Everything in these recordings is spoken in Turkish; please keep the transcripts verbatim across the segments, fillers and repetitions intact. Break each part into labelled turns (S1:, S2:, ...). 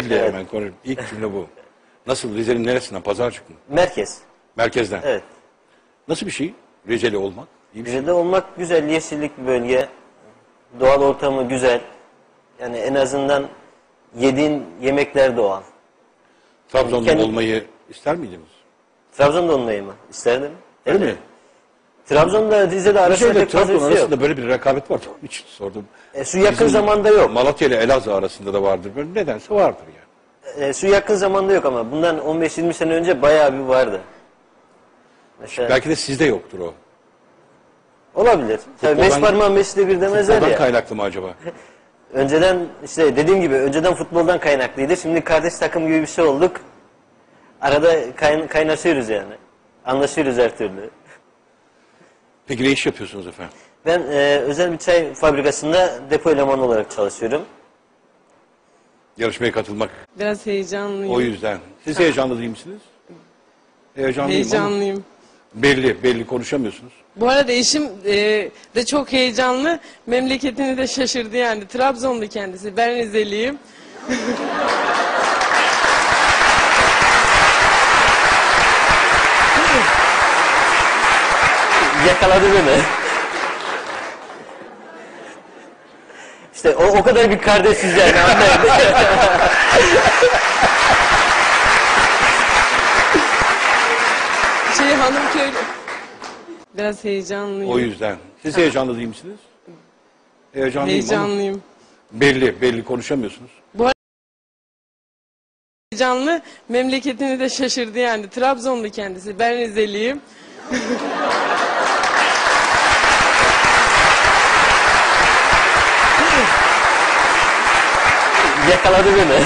S1: Rizeli evet. Hemen konuşayım. İlk cümle bu. Nasıl, Rize'nin neresinden? Pazarcık mı?
S2: Merkez.
S1: Merkezden.
S2: Evet.
S1: Nasıl bir şey? Rizeli olmak? İyi bir
S2: Rize'de
S1: şey.
S2: olmak güzel, yeşillik bir bölge. Doğal ortamı güzel. Yani en azından yediğin yemekler doğal.
S1: Trabzon'da
S2: Kendi...
S1: olmayı ister miydiniz?
S2: Trabzon'da olmayı mı? İsterdim.
S1: Öyle
S2: evet.
S1: mi?
S2: Trabzon'da Rize'de arasında pek fazla
S1: Trabzon
S2: bir şey
S1: arasında
S2: yok.
S1: böyle bir rekabet var. Onun için sordum.
S2: E, şu yakın
S1: Bizim
S2: zamanda yok.
S1: Malatya ile Elazığ arasında da vardır. Böyle nedense vardır yani.
S2: E, şu yakın zamanda yok ama bundan on beş yirmi sene önce bayağı bir vardı. Mesela...
S1: Belki de sizde yoktur o.
S2: Olabilir. Tabii beş parmağın beşi de bir demezler ya.
S1: Futboldan kaynaklı mı acaba?
S2: Önceden işte dediğim gibi önceden futboldan kaynaklıydı. Şimdi kardeş takım gibi bir şey olduk. Arada kayn kaynaşıyoruz yani. Anlaşıyoruz her türlü.
S1: Peki ne iş yapıyorsunuz efendim?
S2: Ben e, özel bir çay fabrikasında depo elemanı olarak çalışıyorum.
S1: Yarışmaya katılmak.
S3: Biraz heyecanlıyım.
S1: O yüzden. Siz heyecanlı değil misiniz? Heyecanlıyım
S3: Heyecanlıyım.
S1: Ama belli, belli konuşamıyorsunuz.
S3: Bu arada eşim e, de çok heyecanlı. Memleketini de şaşırdı yani. Trabzonlu kendisi. Ben Rizeliyim.
S2: Yakaladı beni. İşte o, o kadar bir kardeşiz yani anlayın.
S3: Şey hanım köylü. Biraz heyecanlıyım.
S1: O yüzden. Siz heyecanlı değil misiniz? Heyecanlıyım,
S3: Heyecanlıyım.
S1: Ama belli, belli konuşamıyorsunuz.
S3: Bu arada heyecanlı. Memleketini de şaşırdı yani. Trabzonlu kendisi. Ben Rizeliyim.
S2: Yakaladı beni.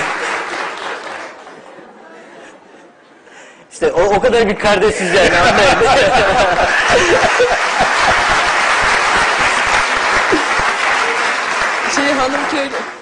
S2: İşte o, o kadar bir kardeşiz yani anlayın.
S3: Şey hanım köylü.